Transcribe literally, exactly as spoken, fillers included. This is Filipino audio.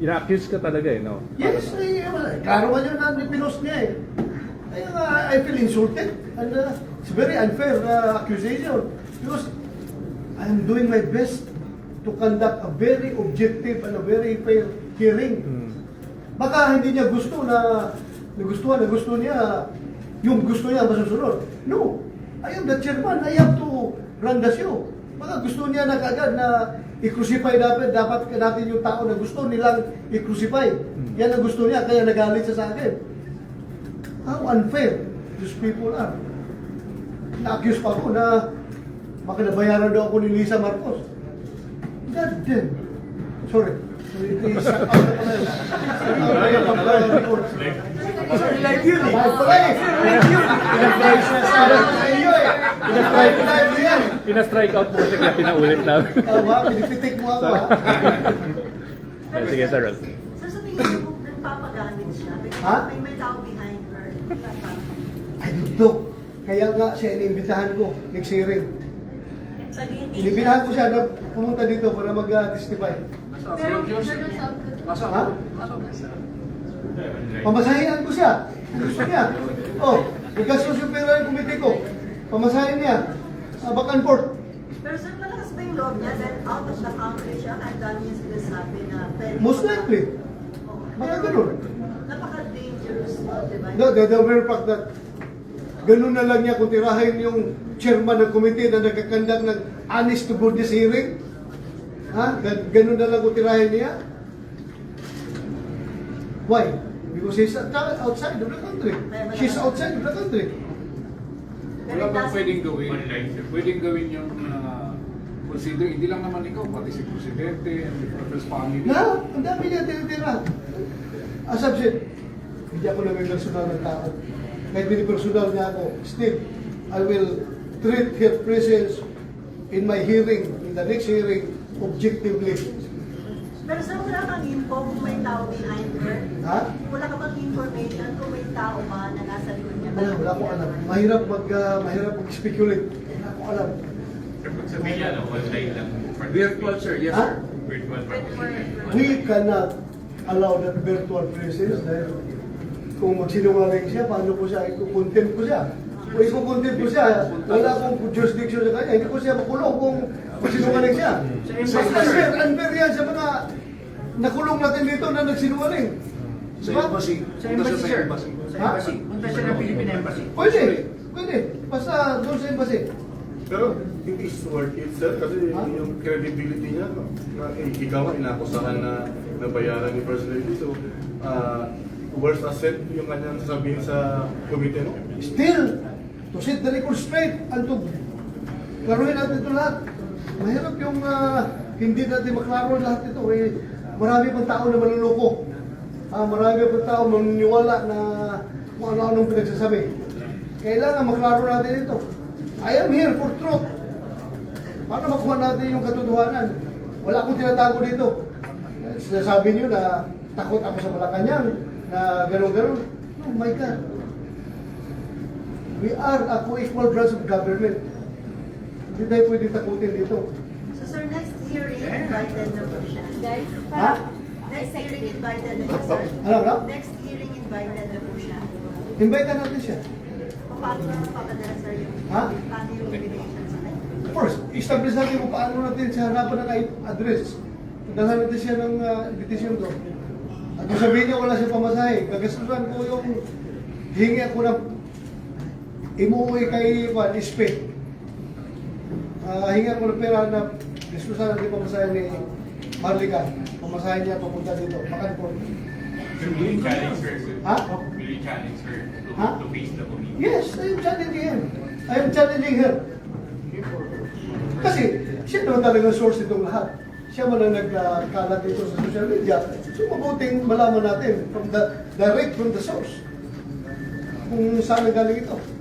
ina-accuse ka talaga eh, no? Yes, eh, wala. Klaro nga yun na pinost niya eh. Kaya nga, I feel insulted. And uh, it's very unfair uh, accusation. Because I'm doing my best to conduct a very objective and a very fair hearing. Hmm. Baka hindi niya gusto na nagustuhan, na gusto niya yung gusto niya masusunod. No. I am the chairman. I have to run the show. Baka gusto niya na kagad na i-crucify dapat, dapat natin yung tao na gusto nilang i-crucify. Yan ang gusto niya, kaya nagalit siya sa akin. How unfair these people are. Na-accuse pa ako na baka nabayaran daw ako ni Lisa Marcos. God damn. Sorry. I-shout out na pala yun. Sorry, live yun eh. Live pala eh. Live yun. Live na sa iyo eh. Live live yan. Pina-strike out mo kasi kaya pinaulit namin. Tama, pinipitik mo ako ha. Ay, sige, sir. So sa tingin mo, nagpapagamit siya? May, Ha? may may tao behind her. I don't know. Kaya nga siya iniimbitahan ko, next hearing. Iniimbitahan ko siya na pumunta dito para mag-testify. Pero, Ha? Pamasahinan ko siya. Gusto niya. Oh, igastos yung pera ng komite ko. Pamasahin niya. Uh, back and forth. pero sir, malakas ba yung loob niya? Then out of the country siya, kahit dami niya sinasabi na pwede. Most likely. Oo. Baka Pero, ganun. Napaka-dangerous mo, di ba? No, the, the very fact that ganun na lang niya kung tirahin yung chairman ng komite na nagkakandak ng honest to goodness hearing. Ha? Gan- Ganun na lang kung tirahin niya. Why? Because he's outside of the country. She's outside of the country. Pero Wala it bang doesn't- pwedeng gawin? Pwedeng gawin yung uh, consider, hindi lang naman ikaw, pati si Presidente and the Prophet's family. Na, ang dami niya tinitira. As I've said, hindi ako namin personal ng tao. Kahit personal niya ako, still, I will treat her presence in my hearing, in the next hearing, objectively. Pero sir, wala kang info kung may tao behind her? Ha? Wala ka bang information kung may tao ba na nasa likod niya? Wala, wala akong alam. Mahirap mag, uh, mahirap mag-speculate. Wala akong alam. Pag sabihin niya, no, online lang. Virtual, sir. Yes, Ha? sir. Virtual participation. We cannot allow that virtual presence dahil kung magsinungaling siya, paano ko siya, ikukontempt ko siya. Kung ikukontempt ko siya, wala akong jurisdiction sa kanya, hindi ko siya makulong kung magsinungaling siya. Mas unfair, unfair yan sa mga nakulong natin dito na nagsinungaling. Sa Diba? embassy. Sa Punta embassy, siya sir. embassy. Sa Ha? embassy. Punta siya ng Philippine Embassy. Pwede, pwede. Basta doon sa embassy. Pero hindi is worth it, sir, kasi Ha? yung credibility niya, no, na eh, ikaw nga inakusahan na nabayaran ni First Lady. So, uh, worst asset yung kanyang sasabihin sa komite, no? Still, to set the record straight and to klaruhin natin ito lahat. Mahirap yung ah, hindi natin maklaro lahat ito. Eh, marami pang tao na maluloko. Ah, marami pang tao maniniwala na kung ano-anong pinagsasabi. Kailangan maklaro natin ito. I am here for truth. Paano makuha natin yung katotohanan? Wala akong tinatago dito. Sinasabi niyo na takot ako sa Malacanang, na gano'n-gano'n. Oh my God. We are a co-equal branch of government. Hindi tayo pwede takutin dito. So sir, next hearing, invited na po siya. Ha? Next hearing, invited na siya, sir. Ano, ano? Next hearing, invited na po siya. Invite na natin siya. Paano na papadala, sir, yung, Ha? paano yung invitation sa kanya? First, establish natin kung paano natin sa harapan ng address. Dalhan natin siya ng uh, invitation doon. At kung sabihin niya wala siya pamasahe, gagastusan ko yung hingi ako na imuwi kay Juan Ispe. Uh, hingi ako ng pera na gastusan natin pamasahe ni Marlica. Pamasahe niya papunta dito. Makan po. So, will you challenge her, sir? Ha? Will you challenge her to, Ha? to face the committee? Yes, I am challenging him. I am challenging her. Kasi siya naman talaga source itong lahat. Siya man ang nagkalat dito sa social media. So mabuting malaman natin from the direct from the source kung saan galing ito.